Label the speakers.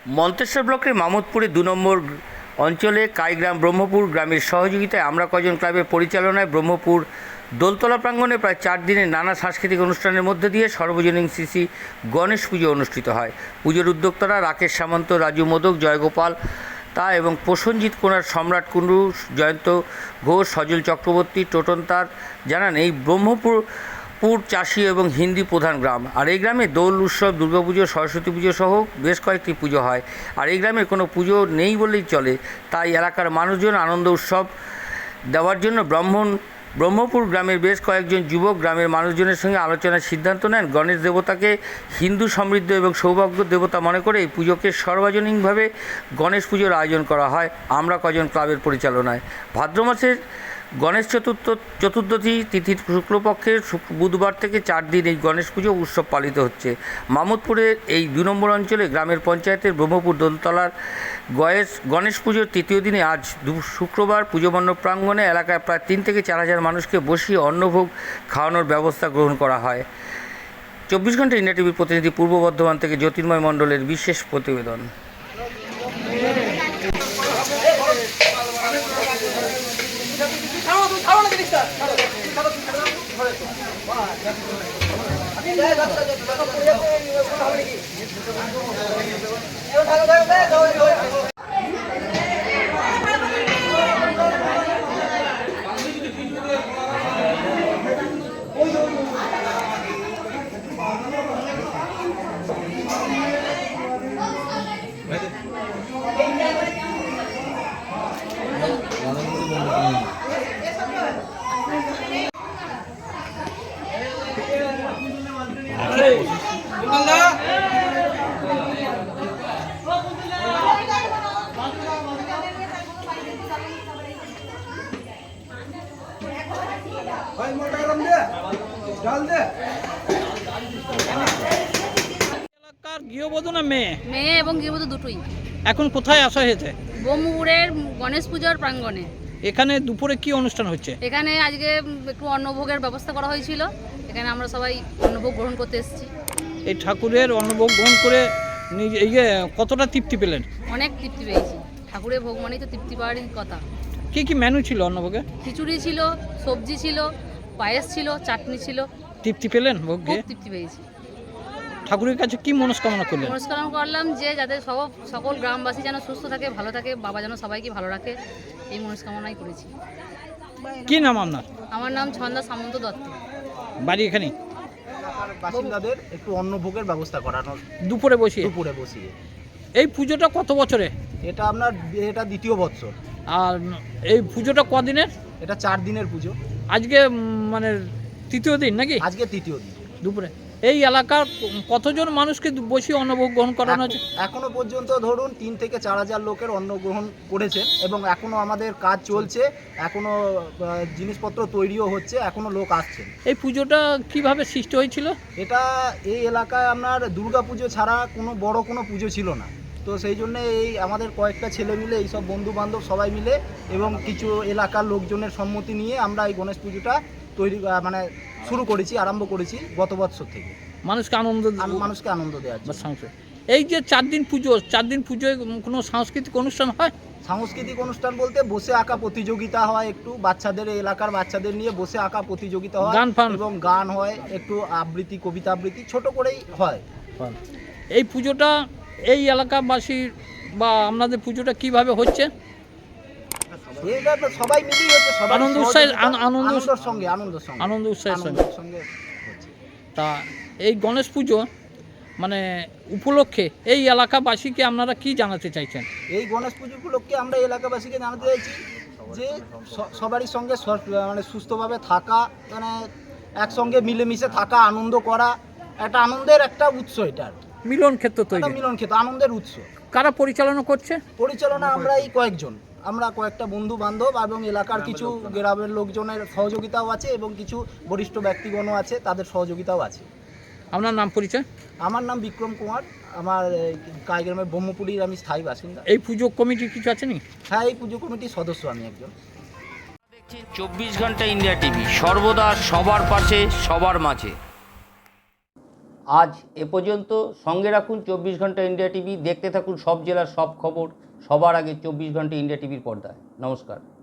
Speaker 1: মন্তেশ্বর ব্লকের মামুদপুরে ২ নম্বর অঞ্চলে কাইগ্রাম ব্রহ্মপুর গ্রামের সহযোগিতায় আমরা কজন ক্লাবের পরিচালনায় ব্রহ্মপুর দোলতলা প্রাঙ্গণে প্রায় 4 দিনের নানা সাংস্কৃতিক অনুষ্ঠানের মধ্যে দিয়ে সর্বজনীন শ্রী গণেশ পুজো অনুষ্ঠিত হয়। পুজোর উদ্যোক্তারা রাকেশ সামন্ত, রাজু মোদক, জয়গোপাল এবং প্রসেনজিৎ কোনার, সম্রাট কুণ্ডু, জয়ন্ত ঘোষ, সজল চক্রবর্তী, টোটন তার জানান এই ব্রহ্মপুর চাষী এবং হিন্দি প্রধান গ্রাম। আর এই গ্রামে দোল উৎসব, দুর্গাপুজো, সরস্বতী পুজো সহ বেশ কয়েকটি পুজো হয়। আর এই গ্রামে কোনো পুজো নেই বলেই চলে, তাই এলাকার মানুষজন আনন্দ উৎসব দেওয়ার জন্য ব্রহ্মপুর গ্রামের বেশ কয়েকজন যুবক গ্রামের মানুষজনের সঙ্গে আলোচনার সিদ্ধান্ত নেন গণেশ দেবতাকে হিন্দু সমৃদ্ধ এবং সৌভাগ্য দেবতা মনে করে এই পুজোকে সর্বজনীনভাবে গণেশ পুজোর আয়োজন করা হয় আমরা কজন ক্লাবের পরিচালনায়। ভাদ্র মাসের গণেশ চতুর্দশী তিথির শুক্লপক্ষের বুধবার থেকে 4 দিন এই গণেশ পুজো উৎসব পালিত হচ্ছে। মামুদপুরের এই 2 নম্বর অঞ্চলে গ্রামের পঞ্চায়েতের ব্রহ্মপুর দোলতলার গণেশ পুজোর তৃতীয় দিনে আজ শুক্রবার পুজো মণ্ডপ প্রাঙ্গণে এলাকায় প্রায় 3 থেকে 4 হাজার মানুষকে বসিয়ে অন্নভোগ খাওয়ানোর ব্যবস্থা গ্রহণ করা হয়। 24 ঘন্টা ইন্ডিয়া টিভির প্রতিনিধি পূর্ব বর্ধমান থেকে জ্যোতির্ময় মণ্ডলের বিশেষ প্রতিবেদন।
Speaker 2: গৃহবধূ না মেয়ে?
Speaker 3: মেয়ে এবং গৃহবধূ দুটোই।
Speaker 2: এখন কোথায় আসা হয়েছে?
Speaker 3: ব্রহ্মপুরের গণেশ পূজার প্রাঙ্গণে।
Speaker 2: এখানে দুপুরে কি অনুষ্ঠান হচ্ছে?
Speaker 3: এখানে আজকে একটু অন্নভোগের ব্যবস্থা করা হয়েছিল, এখানে আমরা সবাই অন্নভোগ গ্রহণ করতে এসেছি।
Speaker 2: এই ঠাকুরের অন্নভোগ গ্রহণ করে কতটা তৃপ্তি পেলেন?
Speaker 3: অনেক তৃপ্তি পেয়েছি, ঠাকুরের ভোগ মানেই তো তৃপ্তি পাওয়ারই কথা।
Speaker 2: কি কি মেনু ছিল অন্নভোগে?
Speaker 3: খিচুড়ি ছিল, সবজি ছিল, পায়েস ছিল, চাটনি ছিল।
Speaker 2: তৃপ্তি পেলেন ভোগ দিয়ে?
Speaker 3: খুব তৃপ্তি পেয়েছি।
Speaker 2: ঠাকুরের কাছে কি মনস্কামনা করলেন?
Speaker 3: মনস্কামনা করলাম যে যাতে সকল গ্রামবাসী যেন সুস্থ থাকে, ভালো থাকে, বাবা যেন সবাইকে ভালো রাখে, এই মনস্কামনাই করেছি।
Speaker 2: কি নাম আপনার?
Speaker 3: আমার নাম ছন্দা সামন্ত দত্ত।
Speaker 2: বাড়ি এখানেই?
Speaker 4: বাসিন্দাদের একটু অন্নভোগের ব্যবস্থা করানো
Speaker 2: দুপুরে বসিয়ে?
Speaker 4: দুপুরে বসিয়ে।
Speaker 2: এই পুজোটা কত বছরে?
Speaker 4: এটা এটা দ্বিতীয় বৎসর।
Speaker 2: আর এই পুজোটা কদিনের?
Speaker 4: এটা 4 দিনের পুজো।
Speaker 2: আজকে মানে তৃতীয় দিন নাকি?
Speaker 4: আজকে তৃতীয় দিন।
Speaker 2: দুপুরে এই এলাকার কতজন মানুষকে বসিয়ে অন্নভোগ গ্রহণ করানো হচ্ছে?
Speaker 4: এখনো পর্যন্ত ধরুন 3 থেকে 4 হাজার লোকের অন্ন গ্রহণ করেছেন এবং এখনো আমাদের কাজ চলছে, এখনো জিনিসপত্র তৈরিও হচ্ছে, এখনো লোক আসছেন।
Speaker 2: এই পুজোটা কিভাবে সৃষ্টি হয়েছিল?
Speaker 4: এটা এই এলাকায় আপনার দুর্গা পুজো ছাড়া কোনো বড় কোনো পুজো ছিল না, তো সেই জন্য এই আমাদের কয়েকটা ছেলে মিলে, এইসব বন্ধু বান্ধব সবাই মিলে এবং কিছু এলাকার লোকজনের সম্মতি নিয়ে আমরা এই গণেশ পুজোটা শুরু করেছি, আরম্ভ করেছি গত বছর থেকে।
Speaker 2: মানুষকে আনন্দ
Speaker 4: দেওয়ার জন্য।
Speaker 2: এই যে 4 দিন পুজো, 4 দিন পুজোয় কোনো সাংস্কৃতিক অনুষ্ঠান হয়?
Speaker 4: সাংস্কৃতিক অনুষ্ঠান বলতে বসে আঁকা প্রতিযোগিতা হয়, একটু বাচ্চাদের, এলাকার বাচ্চাদের নিয়ে বসে আঁকা প্রতিযোগিতা হয় এবং গান হয়, একটু আবৃত্তি, কবিতা আবৃত্তি ছোট করেই হয়।
Speaker 2: এই পুজোটা এই এলাকাবাসী বা আপনাদের পুজোটা কিভাবে হচ্ছে?
Speaker 4: সবাই মিলেই হচ্ছে,
Speaker 2: আনন্দ উৎসাহের
Speaker 4: সঙ্গে।
Speaker 2: তা এই গণেশ পুজো মানে উপলক্ষে এই এলাকাবাসীকে আপনারা কি জানাতে চাইছেন?
Speaker 4: এই গণেশ পুজো উপলক্ষে আমরা এলাকাবাসীকে জানাতে চাইছি যে সবারই সঙ্গে সুস্থভাবে থাকা, একসঙ্গে মিলেমিশে থাকা, আনন্দ করা, একটা আনন্দের একটা উৎস। এটা
Speaker 2: মিলন ক্ষেত্র তৈরি,
Speaker 4: মিলন ক্ষেত্র, আনন্দের উৎস।
Speaker 2: কারা পরিচালনা করছে?
Speaker 4: আমরা এই আমরা কয়েকটা বন্ধু বান্ধব এবং এলাকার কিছু গ্রামের লোকজনের সহযোগিতাও আছে এবং কিছু বরিষ্ঠ ব্যক্তিগণও আছে, তাদের সহযোগিতাও আছে।
Speaker 2: আপনার নাম পরিচয়?
Speaker 4: আমার নাম বিক্রম কুমার, আমার কাইগ্রামের ব্রহ্মপুরীর আমি স্থায়ী বাসিন্দা।
Speaker 2: এই পুজো কমিটি কিছু আছে নি?
Speaker 4: হ্যাঁ, এই পুজো কমিটির সদস্য আমি একজন।
Speaker 1: দেখছেন 24 ঘন্টা ইন্ডিয়া টিভি, সর্বদা সবার পাশে, সবার মাঝে। আজ এ পর্যন্ত। সঙ্গে রাখুন 24 ঘন্টা ইন্ডিয়া টিভি। দেখতে থাকুন সব জেলার সব খবর সবার আগে 24 ঘন্টা ইন্ডিয়া টিভির পর্দায়। নমস্কার।